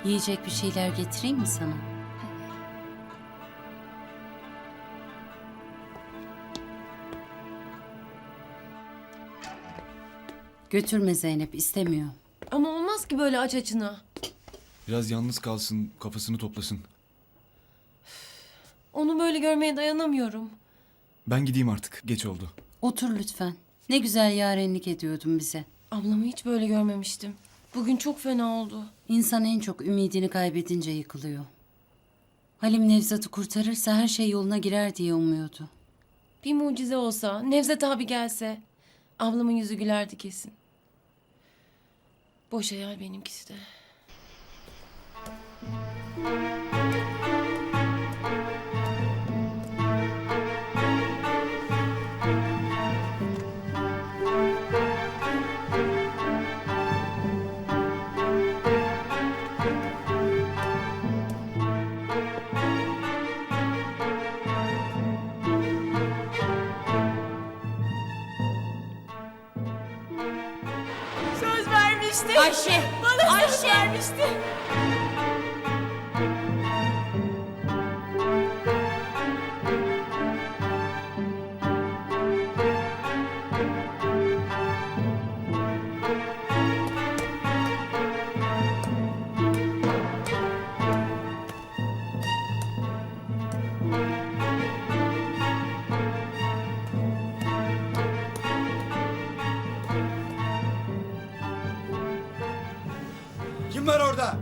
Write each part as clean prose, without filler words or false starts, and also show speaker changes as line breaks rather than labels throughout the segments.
Yiyecek bir şeyler getireyim mi sana? Götürme Zeynep, istemiyor.
Ama olmaz ki böyle aç açına.
Biraz yalnız kalsın, kafasını toplasın.
Onu böyle görmeye dayanamıyorum.
Ben gideyim artık, geç oldu.
Otur lütfen. Ne güzel yarenlik ediyordun bize.
Ablamı hiç böyle görmemiştim. Bugün çok fena oldu.
İnsan en çok ümidini kaybedince yıkılıyor. Halim Nevzat'ı kurtarırsa her şey yoluna girer diye umuyordu.
Bir mucize olsa, Nevzat abi gelse... ablamın yüzü gülerdi kesin. Boş hayal benimkisi de. Söz vermişti.
Ayşe!
Bana söz vermişti.
Kim var orada?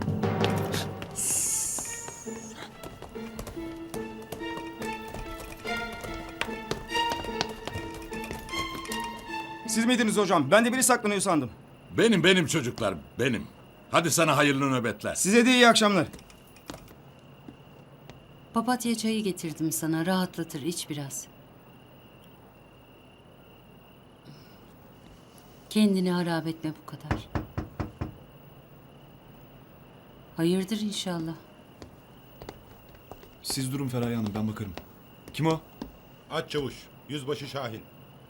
Siz miydiniz hocam? Ben de biri saklanıyor sandım.
Benim çocuklar, benim. Hadi sana hayırlı nöbetler.
Size de iyi akşamlar.
Papatya çayı getirdim sana, rahatlatır, iç biraz. Kendini harap etme bu kadar. Hayırdır inşallah.
Siz durun Feraye Hanım, ben bakarım. Kim o?
Aç çavuş, yüzbaşı Şahin.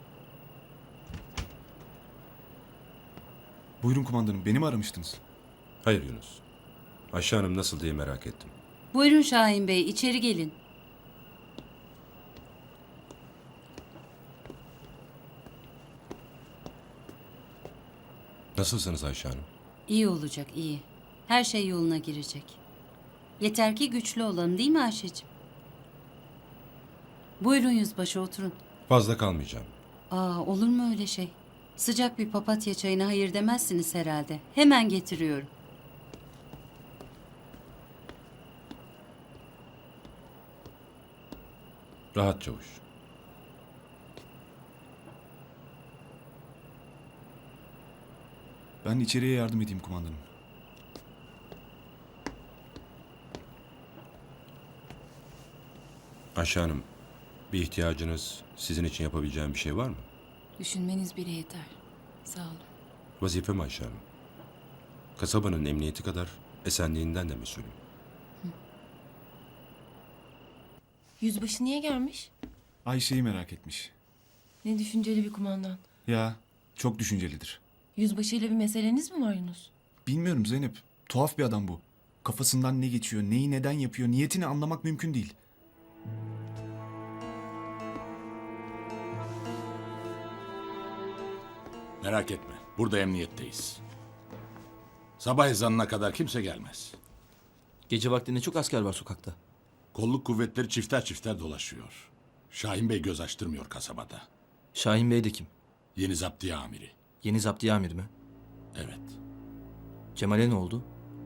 Buyurun kumandanım, beni mi aramıştınız?
Hayır Yunus. Ayşe Hanım nasıl diye merak ettim.
Buyurun Şahin Bey, içeri gelin.
Nasılsınız Ayşe Hanım?
İyi olacak, iyi. Her şey yoluna girecek. Yeter ki güçlü olalım, değil mi Ayşe'cim? Buyurun yüzbaşı, oturun.
Fazla kalmayacağım.
Olur mu öyle şey? Sıcak bir papatya çayına hayır demezsiniz herhalde. Hemen getiriyorum.
Rahat çavuş.
Ben içeriye yardım edeyim kumandanım.
Ayşe Hanım, bir ihtiyacınız, sizin için yapabileceğim bir şey var mı?
Düşünmeniz bile yeter. Sağ olun.
Vazifem Ayşe Hanım. Kasabanın emniyeti kadar esenliğinden de mesulüm.
Yüzbaşı niye gelmiş?
Ayşe'yi merak etmiş.
Ne düşünceli bir kumandan.
Ya, çok düşüncelidir.
Yüzbaşıyla bir meseleniz mi var Yunus?
Bilmiyorum Zeynep, tuhaf bir adam bu. Kafasından ne geçiyor, neyi neden yapıyor, niyetini anlamak mümkün değil.
Merak etme, burada emniyetteyiz. Sabah ezanına kadar kimse gelmez.
Gece vaktinde çok asker var sokakta.
Kolluk kuvvetleri çifter çifter dolaşıyor. Şahin Bey göz açtırmıyor kasabada.
Şahin Bey de kim?
Yeni zaptiye amiri.
Yeni zaptiye amir mi?
Evet.
Cemal'e ne oldu?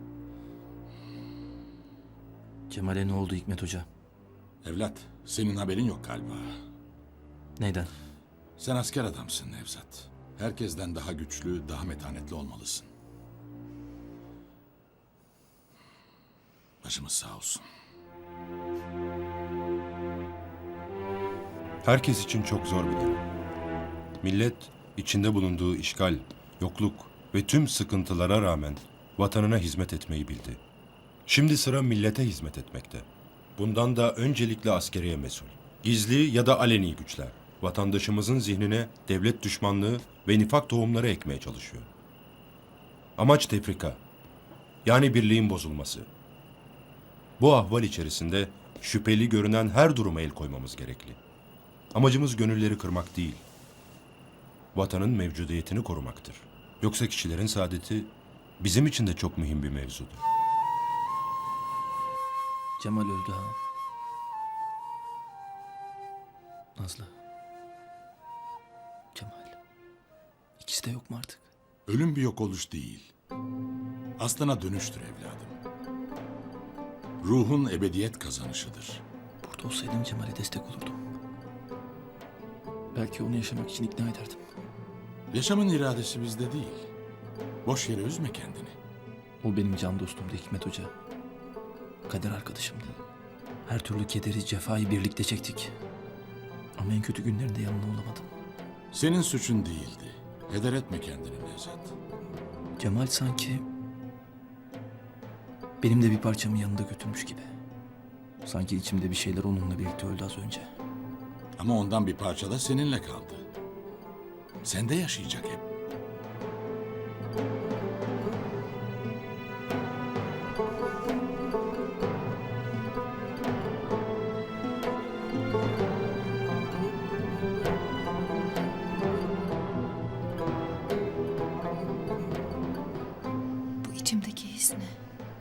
Cemal'e ne oldu Hikmet Hoca?
Evlat, senin haberin yok galiba.
Neyden?
Sen asker adamsın Nevzat. Herkesten daha güçlü, daha metanetli olmalısın. Başımız sağ olsun.
Herkes için çok zor bir dönem. Millet içinde bulunduğu işgal, yokluk ve tüm sıkıntılara rağmen vatanına hizmet etmeyi bildi. Şimdi sıra millete hizmet etmekte. Bundan da öncelikle askeriye mesul. Gizli ya da aleni güçler vatandaşımızın zihnine devlet düşmanlığı ve nifak tohumları ekmeye çalışıyor. Amaç tefrika. Yani birliğin bozulması. Bu ahval içerisinde şüpheli görünen her duruma el koymamız gerekli. Amacımız gönülleri kırmak değil, vatanın mevcudiyetini korumaktır. Yoksa kişilerin saadeti bizim için de çok mühim bir mevzudur.
Cemal öldü ha. Nazlı. Cemal. İkisi de yok mu artık?
Ölüm bir yok oluş değil. Aslına dönüştür evladım. Ruhun ebediyet kazanışıdır.
Burada olsaydım Cemal'e destek olurdum. Belki onu yaşamak için ikna ederdim.
Yaşamın iradesi bizde değil. Boş yere üzme kendini.
O benim can dostumdu Hikmet Hoca. Kader arkadaşımdı. Her türlü kederi, cefayı birlikte çektik. Ama en kötü günlerinde yanında olamadım.
Senin suçun değildi. Heder etme kendini Nevzat.
Cemal sanki benim de bir parçamı yanında götürmüş gibi. Sanki içimde bir şeyler onunla birlikte öldü az önce.
Ama ondan bir parça da seninle kaldı. Sende yaşayacak hep.
Bu içimdeki his ne?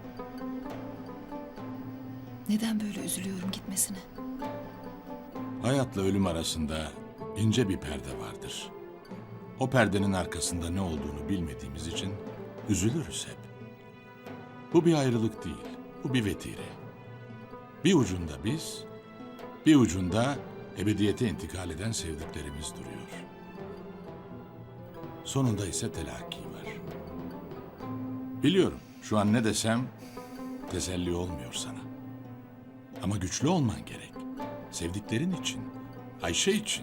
Neden böyle üzülüyorum gitmesine?
Hayatla ölüm arasında ince bir perde vardır. O perdenin arkasında ne olduğunu bilmediğimiz için üzülürüz hep. Bu bir ayrılık değil, bu bir vetire. Bir ucunda biz, bir ucunda ebediyete intikal eden sevdiklerimiz duruyor. Sonunda ise telakki var. Biliyorum şu an ne desem teselli olmuyor sana. Ama güçlü olman gerek. Sevdiklerin için, Ayşe için.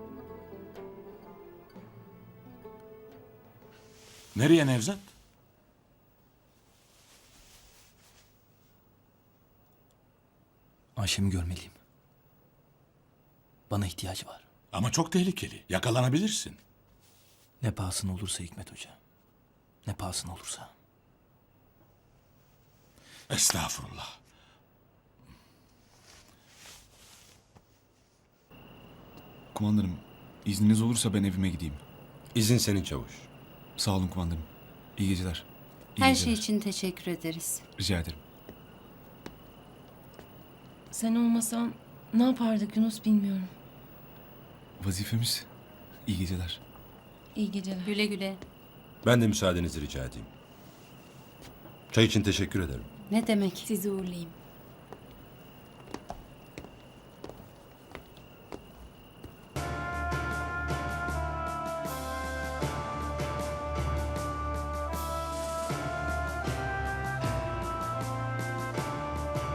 Nereye Nevzat?
Ayşem'i görmeliyim. Bana ihtiyacı var.
Ama çok tehlikeli. Yakalanabilirsin.
Ne pahasına olursa Hikmet Hoca. Ne pahasına olursa.
Estağfurullah.
Kumandanım, izniniz olursa ben evime gideyim.
İzin senin çavuş.
Sağ olun kumandanım. İyi geceler. İyi
Her
geceler.
şey için teşekkür ederiz.
Rica ederim.
Sen olmasan ne yapardık Yunus bilmiyorum.
Vazifemiz. İyi geceler.
İyi geceler.
Güle güle.
Ben de müsaadenizi rica edeyim. Çay için teşekkür ederim.
Ne demek?
Sizi uğurlayayım.